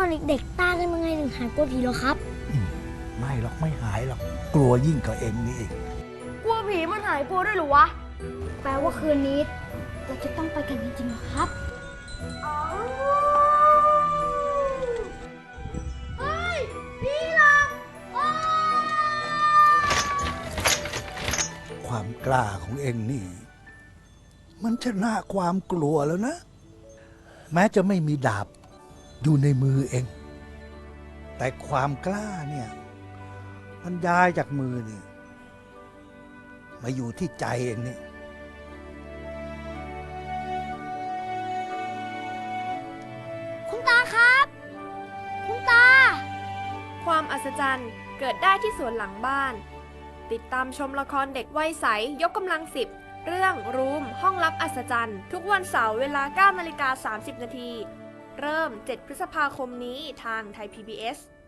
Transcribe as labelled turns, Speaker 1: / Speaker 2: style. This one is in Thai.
Speaker 1: อนเด็กๆตากันยังไงถึงหายกลัวผีเหรอครับ
Speaker 2: ไม่หรอกไม่หายหรอกกลัวยิ่งกว่าเองนี่อีก
Speaker 1: กลัวผีมันหายกลัวด้วยหรือวะ แปลว่าคืนนี้เราจะต้องไปกันจริงๆเหรอครับเฮ้ยพี่ลัง
Speaker 2: ความกล้าของเองนี่ มันชนะความกลัวแล้วนะ แม้จะไม่มีดาบอยู่ในมือเอง แต่ความกล้าเนี่ยมันย้ายจากมือนี่มาอยู่ที่ใจเองนี่
Speaker 1: คุณตาครับ คุณตา
Speaker 3: ความอัศจรรย์เกิดได้ที่สวนหลังบ้าน ติดตามชมละครเด็กวัยใสยกกำลัง10เรื่องรูมห้องลับอัศจรรย์ทุกวันเสาร์เวลา 9:30 น.เริ่ม 7 พฤษภาคมนี้ทางไทย PBS